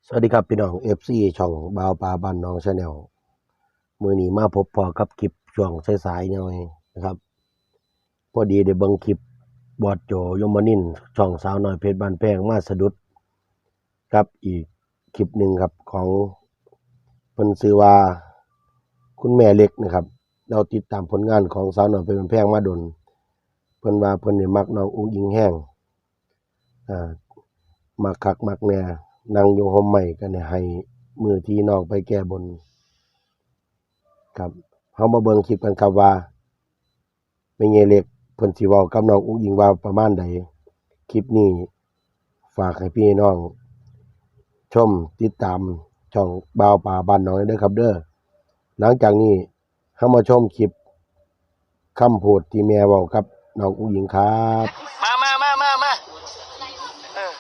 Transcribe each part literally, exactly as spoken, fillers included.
สวัสดีครับพี่น้อง เอฟ ซี ช่องบ่าวปลาบ้านน้องชาแนลมื้อนี้มาพบพอกับคลิปช่วงสายๆหน่อยนะครับพอดีได้เบิ่งคลิปบอสโจยมนินทร์ช่องสาวน้อยเพชรบ้านแพงมาสะดุดกับอีกคลิปหนึ่งครับของเพิ่นชื่อว่าคุณแม่เล็กนะครับเราติดตามผลงานของสาวน้อยเพชรบ้านแพงมาดนเพิ่นว่าเพิ่นนี่มักน้องอุ้งอิงแห้งอ่ามักคักมักแน่นั่งอยู่ห่มไม้กันเนี่ยให้มือที่น้องไปแก้บนครับเฮามาเบิ่งคลิปกันครับว่าแม่ใหญ่เล็กเพิ่นสิเว้ากับน้องอุ้งอิงว่าประมาณใดคลิปนี้ฝากให้พี่น้องชมติดตามช่องบ่าวป่าบ้านน้อยเด้อครับเด้อหลังจากนี้เฮามาชมคลิปคำพูดที่แม่เว้ากับน้องอุ้งอิงครับมามามามามาเออ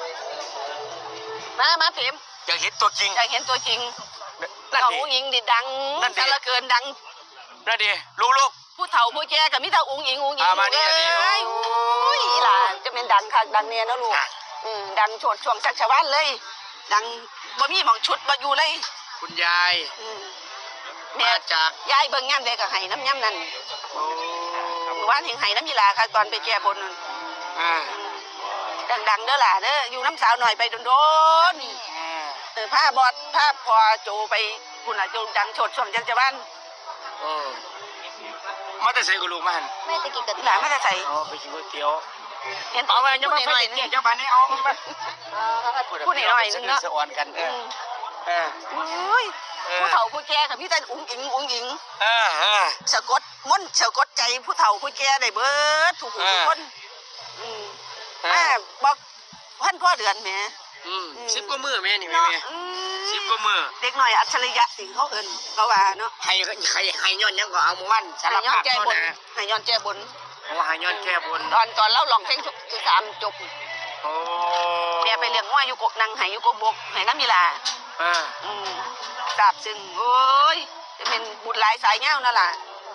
มามาพิมอยากเห็นตัวจริงอยากเห็นตัวจริงนั่นน้องดิอุ้งอิงดิดังซะเหลือเกินดังนั่นดิลูกลูกผู้เฒ่าผู้แก่ก็มีแต่อุ้งอิงอุ้งอิงอ่ามานี่เอ้อันนี้ยโอ้ยอีหล่ะจะเป็นดังคักดังเนี่ยนะลูกอืมดังโฉดช่วงชักชาวบ้านเลย ดังบ่มีหม่องชุดบ่อยู่เลยคุณยายอืมมาแม่จากยายเบิ่งย่ำใดก็ให้น้ำย่ำนั่นโอ้เมื่อวานเห็นให้น้ำยีหลาค่ะตอนไปแก้บนนั่นอ่าดังๆเด้อล่ะเด้ออยู่น้ำสาวหน่อยไปโดนๆอ่าเออผ้าบอดผ้าพอโจไปคุณอาโจดังโฉดช่วงจังจะบ้านโอ้มาแต่ใส่กับลูกมาหันแม่ตะกี้กับที่หลานไม่ได้ใส่อ๋อไปกินก๋วยเตี๋ยวเห็นเอาไปพูยังดมาหไฟน่อยเกี่ยวเจ้าบ้านนี้เอามาพูดหน่อยนึงเนาะสะออนกันเออเอออุ้ยผู้เฒ่าผู้แก่กับพี่แต่อุ้งอิงอุ้งอิงเออเออสะกดมนต์สะกดใจผู้เฒ่าผู้แก่ได้เบิดทุกผู้ทุกคนอืมแม่บอกพันพ่อเดือนแหมอืมสิบกว่ามือแม่นี่แม่เนาะแม่สิบกว่ามือเด็กหน่อยอัจฉริยะสิเขาเอิ้นเขาว่าเนาะให้ให้ให้ย้อนยังก็เอามือวันสารให้ย้อภาน พแก้เท่าบนนะให้ย้อนแก้บนโอ้ให้ย้อนแก้บนตอนตอนเล่าลองเพลงชุกสามจบโอ้แม่ไปเลี้ยงงัวอยู่กกนางไหอยู่กกบกไหน้ำมีลาอ่าอืมทราบซึ้งโอ้ยจะเป็นบุญหลายสายเงานั่นล่ะ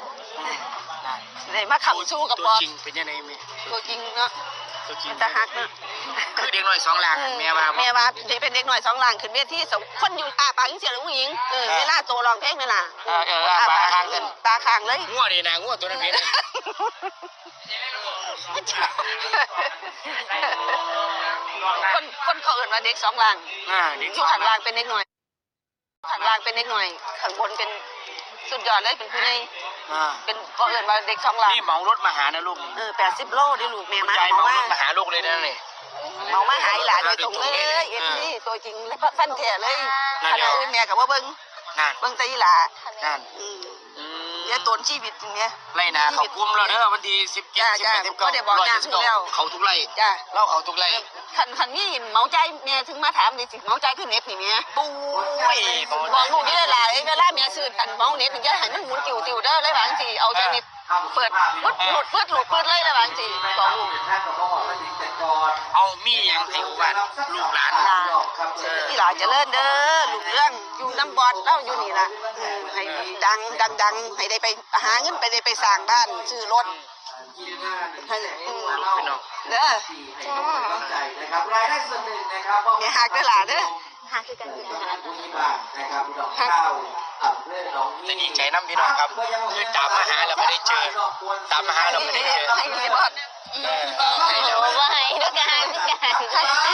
เลยมาขำสู้กับตัวปอดจริงเป็นยังไงแม่ตัวจริงเนาะตัวจริงมันจะหักเนาะคือเด็กน้อยสองหลังแม่ว่าแม่ว่าจะเป็นเด็กหน่อยสองหลังขึ้นเวทีสองคนอยู่อาปากยังเสียหรือผู้หญิงเออเวลาโตร้องเพลงนั่นล่ะเออเออปลาค้างกันตาค้างเลยงัวนี่นะงัวตัวนั้นเห็นคนคนเขาเอื่นว่าเด็กสองหลังอ่าเด็กอยู่ข้างล่างเป็นเด็กหน่อยข้างล่างเป็นเด็กหน่อยข้างบนเป็นสุดยอดเลยเป็นผู้ใหญ่อ่าเป็นเขาเอื่นว่าเด็กสองหลังนี่เหมารถมาหานะลูกเออแปดสิบโลดิลูกแม่มาใจเอาเหมารมาถมาหาลูกเลยนะนี่เมามาหายหลานโดยตรงเลยเอ็นนี่ตัวจริงแล้วฟันแท้เลยขณะอื่นแม่กับว่าเบิ้งนั่นเบิ้งใจหลานั่นอืมอืมเนี่ยตนชีวิตจริงเนี่ยไล่นาเขากุ้มแล้วเด้อวันที่สิบเจ็ดสิบแปดสิบเก้าร้อยสิบเก้าเขาทุกไร่จ้าเล่าเขาทุกไร่คันคันนี่เมาใจแม่ถึงมาถามดิสิเมาใจขึ้นเน็ตนี่แม่ปุ้ยบอกลูกนี่เลยล่ะเวลาแม่ซื้ออันเมาเน็ตถึงจะให้มันหมุนติ๋วติ๋วเด้อเลยบางทีเอาใจเน็ตเปิดปุ๊ดหลุดปุ๊ดหลุดปุ๊ดเลยเลยบางทีบอกลูกเอามีอย่างให้อุบัติลูกหลานลาที่หลาจะเลิ่นเด้อลูกเรื่องอยู่น้ำบอดเล่าอยู่นี่ล่ะให้ดังดังดังให้ได้ไปหาเงินไปได้ไปสร้างบ้านซื้อรถให้เด้อรายได้ส่วนหนึ่งนะครับแม่หักเด้อหล่ะเด้อหักคือกันหักจะดีใจน้ำพี่น้องครับคือตามมาหาเราไม่ได้เจอตามมาหาเราไม่ได้เจอให้เลยบอดเออให้แล้วว่าให้ด้วยกันด้วยกัน